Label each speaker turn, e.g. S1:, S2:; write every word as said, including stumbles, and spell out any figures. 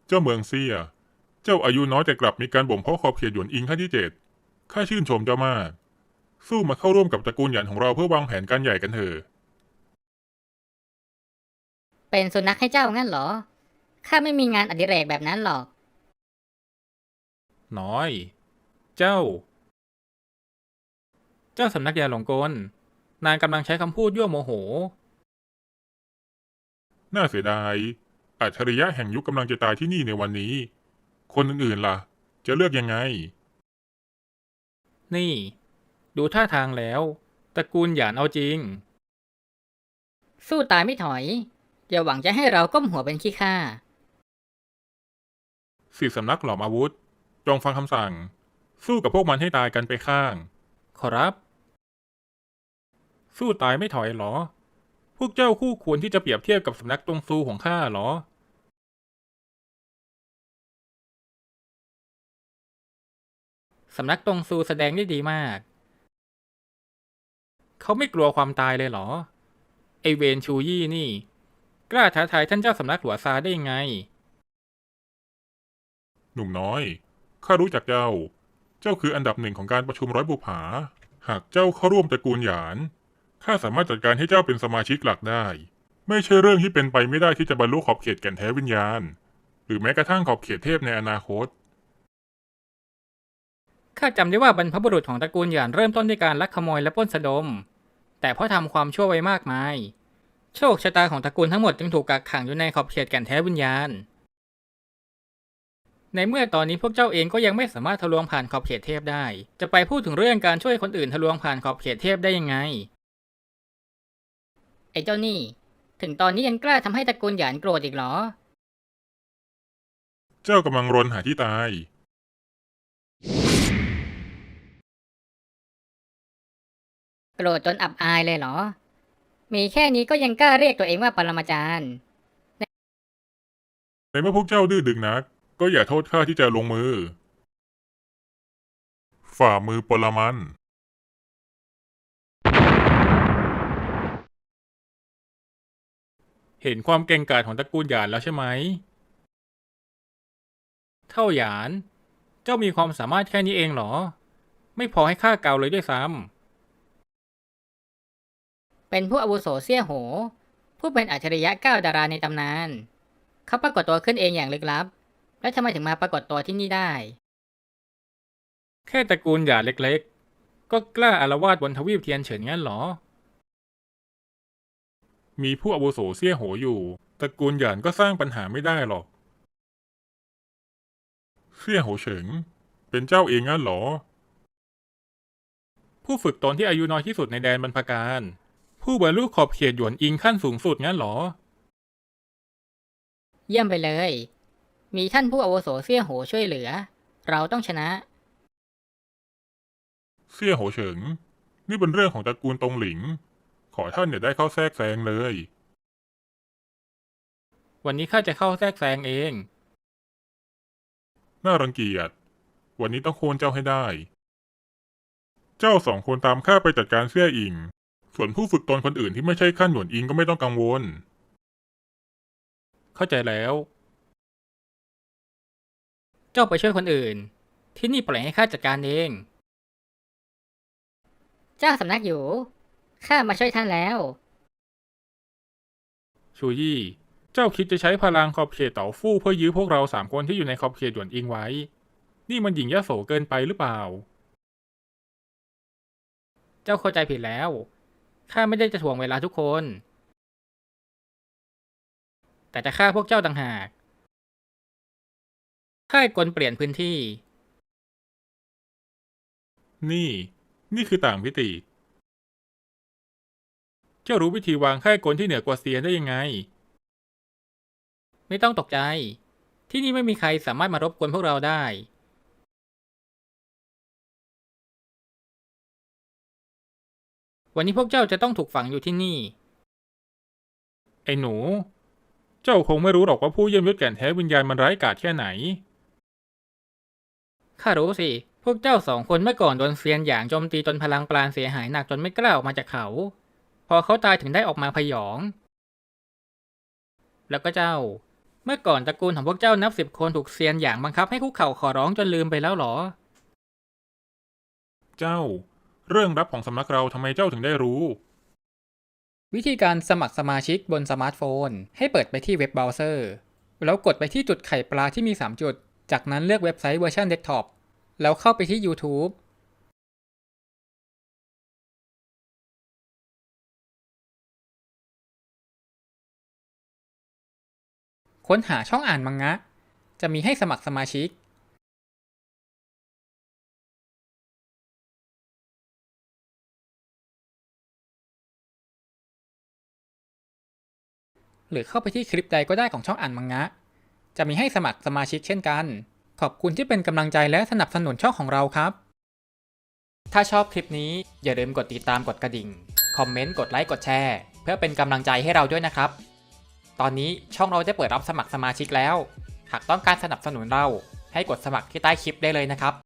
S1: เจ้าเมืองเซียเจ้าอายุน้อยแต่กลับมีการบ่มเพาะขอบเขตหยวนอิงขั้นที่เจ็ดข้าชื่นชมเจ้ามากสู้มาเข้าร่วมกับตระกูลหยันของเราเพื่อวางแผนการใหญ่กันเถอะ
S2: เป็นสุนัขให้เจ้างั้นเหรอข้าไม่มีงานอดิเรกแบบนั้นหรอก
S3: น้อย เจ้า เจ้าสำนักยาหลงกลนายกำลังใช้คำพูดยั่วโมโห
S1: น่าเสียดายอัจฉริยะแห่งยุคกำลังจะตายที่นี่ในวันนี้คนอื่นๆล่ะจะเลือกยังไง
S3: นี่ ดูท่าทางแล้วตระกูลหยานเอาจริง
S2: สู้ตายไม่ถอยอย่าหวังจะให้เราก้มหัวเป็นขี้ข้า
S1: สี่สำนักหลอมอาวุธจงฟังคำสั่งสู้กับพวกมันให้ตายกันไปข้าง
S3: ขอรับ สู้ตายไม่ถอยหรอ พวกเจ้าคู่ควรที่จะเปรียบเทียบกับสำนักตงซูของข้าหรอ สำนักตงซูแสดงได้ดีมาก เขาไม่กลัวความตายเลยเหรอ ไอเวนชูยี่นี่ กล้าท้าทายท่านเจ้าสำนักหลัวซาได้ยังไง
S1: หนุ่มน้อยข้ารู้จักเจ้าเจ้าคืออันดับหนึ่งของการประชุมร้อยบุปผาหากเจ้าเข้าร่วมตระกูลหยานข้าสามารถจัดการให้เจ้าเป็นสมาชิกหลักได้ไม่ใช่เรื่องที่เป็นไปไม่ได้ที่จะบรรลุขอบเขตแก่นแท้วิญญาณหรือแม้กระทั่งขอบเขตเทพในอนาคต
S3: ข้าจำได้ว่าบรรพบุรุษของตระกูลหยานเริ่มต้นด้วยการลักขโมยและปล้นสะดม แต่เพราะทำความชั่วไว้มากมาย โชคชะตาของตระกูลทั้งหมดจึงถูกกักขังอยู่ในขอบเขตแก่นแท้วิญญาณ ในเมื่อตอนนี้พวกเจ้าเองก็ยังไม่สามารถทะลวงผ่านขอบเขตเทพได้ จะไปพูดถึงเรื่องการช่วยคนอื่นทะลวงผ่านขอบเขตเทพได้ยังไง
S2: ไอ้เจ้านี่ถึงตอนนี้ยังกล้าทำให้ตระกูลหยานโกรธอีกเหรอ
S1: เจ้ากำลังรนหาที่ตาย
S2: โกรธจนอับอายเลยเหรอมีแค่นี้ก็ยังกล้าเรียกตัวเองว่าปรมาจารย์
S1: ในเมื่อพวกเจ้าดื้อดึงนักก็อย่าโทษข้าที่จะลงมือฝ่ามือปรมัน
S3: เห็นความเก่งกาจของตระกูลหยานแล้วใช่ไหม เท่าหยาน เจ้ามีความสามารถแค่นี้เองเหรอ ไม่พอให้ข้าเกาเลยด้วยซ้ำ
S2: เป็นผู้อาวุโสเซี่ยโหผู้เป็นอัจฉริยะเก้าดาราในตำนานเขาปรากฏตัวขึ้นเองอย่างลึกลับแล้วทำไมถึงมาปรากฏตัวที่นี่ได้
S3: แค่ตระกูลหยานเล็กๆ ก็กล้าอาละวาดบนทวีปเทียนเฉินงั้นเหรอ
S1: มีผู้อาวุโสเซี่ยโหอยู่ตระกูลหยานก็สร้างปัญหาไม่ได้หรอกเซี่ยโหเฉิงเป็นเจ้าเองงั้นเหรอ
S3: ผู้ฝึกตนที่อายุน้อยที่สุดในแดนบรรพการ ผู้บรรลุขอบเขตหยวนอิงขั้นสูงสุดงั้นเหรอ
S2: เยี่ยมไปเลยมีท่านผู้อาวุโสเซี่ยโหช่วยเหลือเราต้องชนะ
S1: เซี่ยโหเฉิงนี่เป็นเรื่องของตระกูลตงหลิงขอท่านอย่าได้เข้าแทรกแซงเลย
S3: วันนี้ข้าจะเข้าแทรกแซงเอง
S1: น่ารังเกียจวันนี้ต้องโค่นเจ้าให้ได้ เจ้าสองคนตามข้าไปจัดการเซี่ยอิงส่วนผู้ฝึกตนคนอื่นที่ไม่ใช่ขั้นหยวนอิงก็ไม่ต้องกังวล
S3: เข้าใจแล้ว เจ้าไปช่วยคนอื่น ที่นี่ปล่อยให้ข้าจัดการเอง
S2: เจ้าสำนักอยู่ข้ามาช่วยท่านแล้ว
S3: ชูยี่ เจ้าคิดจะใช้พลังขอบเขตเต๋าฟู่เพื่อยื้อพวกเราสามคนที่อยู่ในขอบเขตหยวนอิงไว้ นี่มันหยิ่งยโสเกินไปหรือเปล่า เจ้าเข้าใจผิดแล้ว ข้าไม่ได้จะถ่วงเวลาทุกคน แต่จะฆ่าพวกเจ้าต่างหากค่ายกลเปลี่ยนพื้นที่
S1: นี่ นี่คือต่างมิติ
S3: เจ้ารู้วิธีวางค่ายกลที่เหนือกว่าเซียนได้ยังไง ไม่ต้องตกใจ ที่นี่ไม่มีใครสามารถมารบกวนพวกเราได้ วันนี้พวกเจ้าจะต้องถูกฝังอยู่ที่นี่ ไอ้หนู เจ้าคงไม่รู้หรอกว่าผู้เยี่ยมยศแก่นแท้วิญญาณมันร้ายกาจแค่ไหน ข้ารู้สิ พวกเจ้าสองคนเมื่อก่อนโดนเซียนหยางโจมตีจนพลังปราณเสียหายหนักจนไม่กล้าออกมาจากเขา พอเขาตายถึงได้ออกมาพยอง แล้วก็เจ้าเมื่อก่อนตระกูลของพวกเจ้านับสิบคนถูกเซียนหยางบังคับให้คุกเข่าขอร้องจนลืมไปแล้วหรอ
S1: เจ้า เรื่องลับของสำนักเราทำไมเจ้าถึงได้รู้
S3: วิธีการสมัครสมาชิกบนสมาร์ทโฟนให้เปิดไปที่เว็บเบราว์เซอร์แล้วกดไปที่จุดไข่ปลาที่มีสามจุดจากนั้นเลือกเว็บไซต์เวอร์ชันเดสก์ท็อปแล้วเข้าไปที่ YouTube ค้นหาช่องอ่านมังงะจะมีให้สมัครสมาชิกหรือเข้าไปที่คลิปใดก็ได้ของช่องอ่านมังงะจะมีให้สมัครสมาชิกเช่นกันขอบคุณที่เป็นกำลังใจและสนับสนุนช่องของเราครับถ้าชอบคลิปนี้อย่าลืมกดติดตามกดกระดิ่งคอมเมนต์กดไลค์กดแชร์เพื่อเป็นกำลังใจให้เราด้วยนะครับตอนนี้ช่องเราได้เปิดรับสมัครสมาชิกแล้วหากต้องการสนับสนุนเราให้กดสมัครที่ใต้คลิปได้เลยนะครับ